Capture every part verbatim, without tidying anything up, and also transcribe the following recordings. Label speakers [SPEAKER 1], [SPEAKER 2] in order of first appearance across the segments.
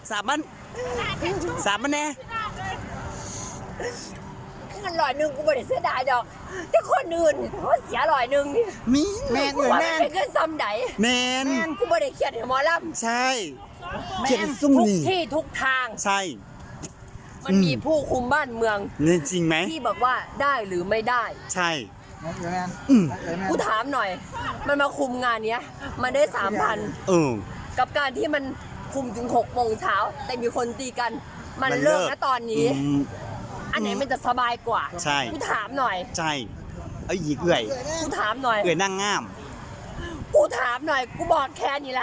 [SPEAKER 1] สามมันสามมันแน่
[SPEAKER 2] เงินร้อยหนึ่งกูไม่ได้เสียดายดอกแต่คนอื่นเขาเสียร้อยหนึ่งนี่
[SPEAKER 1] มีแมนเลย
[SPEAKER 2] ว่า
[SPEAKER 1] แม
[SPEAKER 2] มัน
[SPEAKER 1] น
[SPEAKER 2] เป็นเงินซ้ำใด
[SPEAKER 1] แมน
[SPEAKER 2] กูไม่ได้เครียดให้หมอล
[SPEAKER 1] ใช่เขียนซุ่ม
[SPEAKER 2] ำทุก
[SPEAKER 1] นี่
[SPEAKER 2] ที่ทุกทาง
[SPEAKER 1] ใช่
[SPEAKER 2] มันมีผู้คุมบ้านเมือง
[SPEAKER 1] นี่จริงไหม
[SPEAKER 2] ที่บอกว่าได้หรือไม่ได้
[SPEAKER 1] ใช่
[SPEAKER 3] เดี๋ยวแมน
[SPEAKER 1] อืม
[SPEAKER 3] เดี๋ยวแมน
[SPEAKER 2] กูถามหน่อย มันมาคุมงานเนี้ย มันได้สามพัน
[SPEAKER 1] เออ
[SPEAKER 2] กับการที่มันคุมถึงหกโมงเช้าแต่มีคนตีกัน มัน
[SPEAKER 1] มันเลิ
[SPEAKER 2] เลิ
[SPEAKER 1] ก
[SPEAKER 2] กนะตอนนี้
[SPEAKER 1] อืม
[SPEAKER 2] อันไหนมันจะสบายกว่า
[SPEAKER 1] ใช่
[SPEAKER 2] กูถามหน่อย
[SPEAKER 1] ใช่เอาหยิกเอื่อย
[SPEAKER 2] กูถามหน่อย
[SPEAKER 1] เอื่อยนั่งง่าม
[SPEAKER 2] กูถามหน่อย กูบอกแค่นี้ละ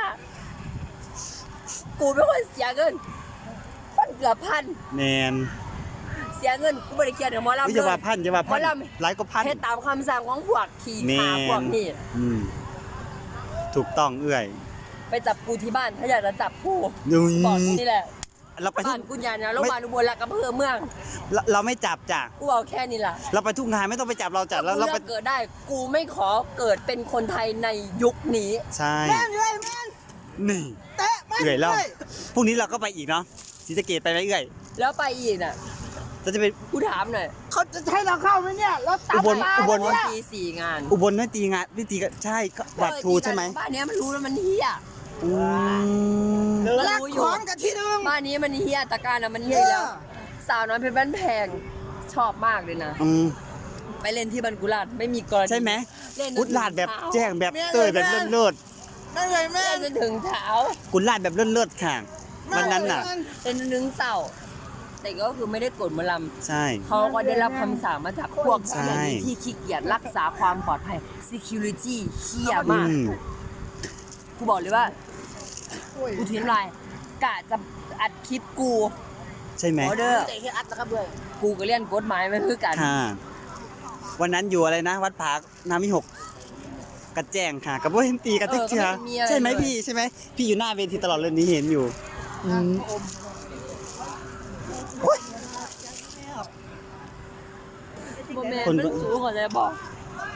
[SPEAKER 2] กูเป็นคนเสียเงินมันเกือบพัน
[SPEAKER 1] แมน
[SPEAKER 2] เสียเงินกูไม่ได้เกียดหมอลำ
[SPEAKER 1] วิ
[SPEAKER 2] เล
[SPEAKER 1] จาว่าย พันจะว่า
[SPEAKER 2] หม
[SPEAKER 1] พั
[SPEAKER 2] อน ล
[SPEAKER 1] หลายก็พัน
[SPEAKER 2] ำเฮ็ดตามคำสั่งของพวกขี่
[SPEAKER 1] แม
[SPEAKER 2] ขาพวก
[SPEAKER 1] น
[SPEAKER 2] นี้
[SPEAKER 1] อืมถูกต้องเอื่อย
[SPEAKER 2] ไปจับกูที่บ้านถ้าอยากจะจับกู
[SPEAKER 1] ดู
[SPEAKER 2] บอกนี่แหละ
[SPEAKER 1] เราไปทุ
[SPEAKER 2] บ้าก นกูยานนะโรงพยาบาลอุบลรัตน์อำเภอเมือง
[SPEAKER 1] เราเราไม่จับจ้ะ
[SPEAKER 2] กูเอาแค่นี้ล่ะ
[SPEAKER 1] เราไปทุกงานไม่ต้องไปจับเราจัดแล้ว
[SPEAKER 2] กู
[SPEAKER 1] เรา
[SPEAKER 2] เลื
[SPEAKER 1] ไป
[SPEAKER 2] อกเกิดได้ กูไม่ขอเกิดเป็นคนไทยในยุคนี้
[SPEAKER 1] ใช่
[SPEAKER 3] แมนเลยแมน
[SPEAKER 1] นี่
[SPEAKER 3] เตะแมน
[SPEAKER 1] เอื่อยแล้ว
[SPEAKER 3] เลย
[SPEAKER 1] พรุ่งนี้เราก็ไปอีกเนาะศรีสะเกษไปไหมเอื่อย
[SPEAKER 2] แล้วไปอีกน่ะ
[SPEAKER 1] เราจะไป
[SPEAKER 2] กูถามหน่อย
[SPEAKER 3] เขาจะให้เราเข้าไหมเนี่ยเราตัด
[SPEAKER 1] อุบล
[SPEAKER 3] มา
[SPEAKER 1] อุบล
[SPEAKER 3] เนี่ย
[SPEAKER 2] ปีสี่งาน
[SPEAKER 1] อุบลไม่ตีงานไม่ตีกันใช่ก็บัตรครูใช่ไหม
[SPEAKER 2] บ้านเนี้ยมันรู้แล้วมันเฮีย
[SPEAKER 1] อืม
[SPEAKER 3] รักของกันที่หนึง
[SPEAKER 2] บ้านนี้มันเฮียตะการน่ะมันเฮียอยู่แล้ว
[SPEAKER 3] เออ
[SPEAKER 2] สาวน้อยเพชรบ้านแพงชอบมากเลยนะ
[SPEAKER 1] อืม
[SPEAKER 2] ไปเล่นที่บันกุลาดไม่มีกรณี
[SPEAKER 1] ใช่ไหม
[SPEAKER 2] เล่นจน
[SPEAKER 1] กุ
[SPEAKER 2] ถึง
[SPEAKER 1] ลาดแบบ
[SPEAKER 2] เช้า
[SPEAKER 1] แจ้งแบบเตยแบบเลิศ
[SPEAKER 3] แม่นเลยแม่
[SPEAKER 2] เล่
[SPEAKER 3] น
[SPEAKER 2] นจนถึงเช้า
[SPEAKER 1] ๆกุลาดแบบเลิศๆค่ะวันนั้นน่ะ
[SPEAKER 2] เล่นจนถึงเสาร์แต่ก็คือไม่ได้กดหมอล
[SPEAKER 1] ใช่
[SPEAKER 2] ำเขาก็ได้รับคำสั่งมาจากพวก
[SPEAKER 1] ใช่
[SPEAKER 2] เจ้าหน้าที่ที่ขี้เกียจรักษาความปลอดภัย security เฮีย
[SPEAKER 1] อื
[SPEAKER 2] มาก
[SPEAKER 1] ม
[SPEAKER 2] กูบอกเลยว่า กูทิ้งลายกะจะอัดคลิปกู
[SPEAKER 1] ใช่ไหม
[SPEAKER 2] ออเดอร์
[SPEAKER 3] เตะให้อัดนะครับด้วย
[SPEAKER 2] กูก็เรียนกฎหมายไม่คือกัน
[SPEAKER 1] ค่ะวันนั้นอยู่อะไรนะ วัดผาน้ำมิหกกระแจ้งค่ะ กับว่าเห็นตีกันติ๊กเชียใช่ไหมพี่ใช่ไหมพี่อยู่หน้าเวทีตลอดเลยนี่เห็นอยู่อืมโอ๊ย
[SPEAKER 2] โมเมนต์มันสูงกว่าจะบอก